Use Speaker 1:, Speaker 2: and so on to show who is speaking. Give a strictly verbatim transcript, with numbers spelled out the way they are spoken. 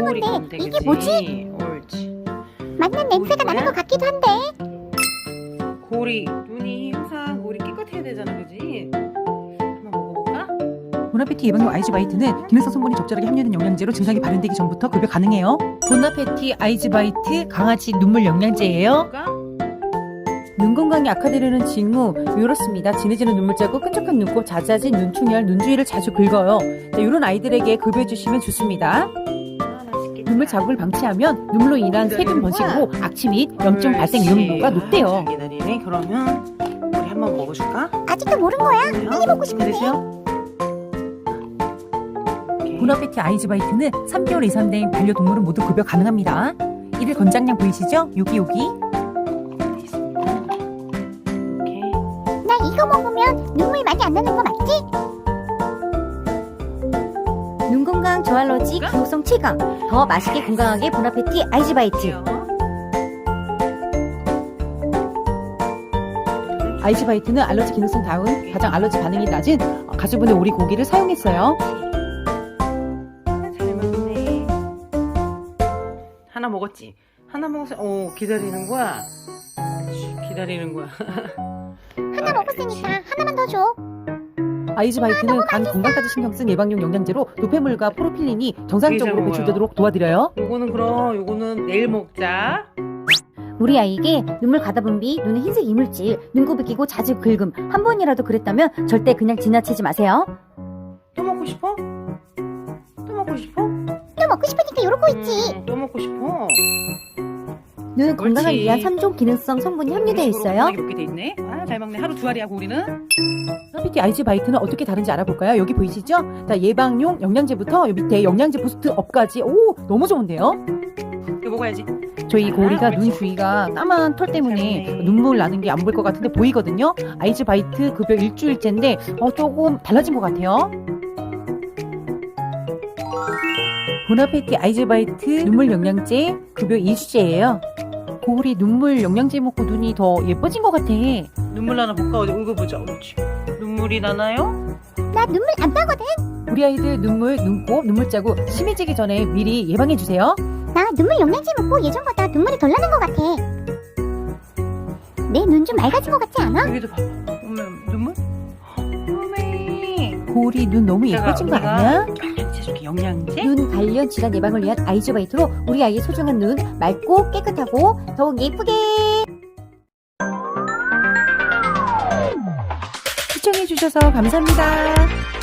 Speaker 1: 건데
Speaker 2: 건데,
Speaker 1: 이게
Speaker 2: 그치?
Speaker 1: 뭐지?
Speaker 2: 옳지.
Speaker 1: 맞는 냄새가 나는 것 같기도 한데.
Speaker 2: 고리 눈이 항상 우리 깨끗해야 되잖아, 그지? 한번 먹어볼까?
Speaker 3: 보나페티 예방용 아이즈바이트는 기능성 성분이 적절하게 함유된 영양제로 증상이 발현되기 전부터 급여 가능해요. 보나페티 아이즈바이트 강아지 눈물 영양제예요.
Speaker 2: 볼까?
Speaker 3: 눈 건강이 악화되려는 징후 이렇습니다. 진해지는 눈물자국, 끈적한 눈곱, 잦아진 눈충혈, 눈주위를 자주 긁어요. 자, 이런 아이들에게 급여해 주시면 좋습니다.
Speaker 2: 아, 맛있겠다.
Speaker 3: 눈물 자국을 방치하면 눈물로 인한 세균 번식으로 악취 및 염증 발생 위험도가 높대요.
Speaker 2: 아, 기다리네. 그러면 우리 한번 먹어줄까?
Speaker 1: 아직도 모른 거야?
Speaker 2: 빨리
Speaker 1: 먹고 싶은데.
Speaker 2: 기다리세요.
Speaker 3: 보나페티 아이즈바이트는 삼 개월 이상 된 반려동물은 모두 급여 가능합니다. 이들 권장량 보이시죠? 여기 여기.
Speaker 1: 나 이거 먹으면 눈물 많이 안 나는 거 맞지? 눈 건강 저알러지 기호성 최강. 더 맛있게 건강하게 보나페티 아이즈바이트.
Speaker 3: 아이즈바이트는 알러지 기능성 다운 가장 알러지 반응이 낮은 가수분의 오리 고기를 사용했어요.
Speaker 2: 잘 먹네. 하나 먹었지? 하나 먹었어. 오, 기다리는 거야. 그렇지, 기다리는 거야.
Speaker 1: 하나 먹었으니까 하나만 더 줘.
Speaker 3: 아이즈바이트는 간 건강까지 신경 쓴 예방용 영양제로 노폐물과 프로필린이 정상적으로
Speaker 2: 되게 잘
Speaker 3: 배출되도록 도와드려요.
Speaker 2: 요거는 그럼 요거는 내일 먹자.
Speaker 1: 우리 아이에게 눈물 가다분비, 눈에 흰색 이물질, 눈곱이 끼고 자주 긁음 한 번이라도 그랬다면 절대 그냥 지나치지 마세요.
Speaker 2: 또 먹고 싶어? 또 먹고 싶어?
Speaker 1: 또 먹고 싶으니까 이러고 있지.
Speaker 2: 음, 또 먹고 싶어.
Speaker 1: 눈 건강을
Speaker 2: 옳지.
Speaker 1: 위한 삼 종 기능성 성분이 함유되어 있어요.
Speaker 2: 이렇게 돼 있네. 아, 잘 먹네. 하루 두 알이야, 고리는.
Speaker 3: 보나페티 아이즈바이트는 어떻게 다른지 알아볼까요? 여기 보이시죠? 자, 예방용 영양제부터 요 밑에 영양제 부스트 업까지. 오, 너무 좋은데요?
Speaker 2: 이거 먹어야지.
Speaker 3: 저희 고리가
Speaker 2: 아,
Speaker 3: 눈
Speaker 2: 옳지.
Speaker 3: 주위가 까만 털 때문에
Speaker 2: 잘 먹네.
Speaker 3: 눈물 나는 게 안 보일 것 같은데 보이거든요. 아이즈바이트 급여 일주일째인데 어, 조금 달라진 것 같아요. 보나페티 아이즈바이트 눈물 영양제 급여 이 주째예요. 고리 눈물 영양제 먹고 눈이 더 예뻐진 것 같아.
Speaker 2: 눈물 나나 볼까? 어디 읽어보자. 옳지. 눈물이 나나요?
Speaker 1: 나 눈물 안 나거든.
Speaker 3: 우리 아이들 눈물, 눈곱, 눈물자국 심해지기 전에 미리 예방해 주세요.
Speaker 1: 나 눈물 영양제 먹고 예전보다 눈물이 덜 나는 것 같아. 내 눈 좀 맑아진 것 같지 않아?
Speaker 2: 여기도 봐봐. 어머, 눈물? 어메.
Speaker 3: 고리 눈 너무 예뻐진 거 아니야?
Speaker 2: 영양제 줄게, 영양제?
Speaker 1: 눈 관련 질환 예방을 위한 아이즈바이트로 우리 아이의 소중한 눈 맑고 깨끗하고 더욱 예쁘게.
Speaker 3: 시청해 주셔서 감사합니다.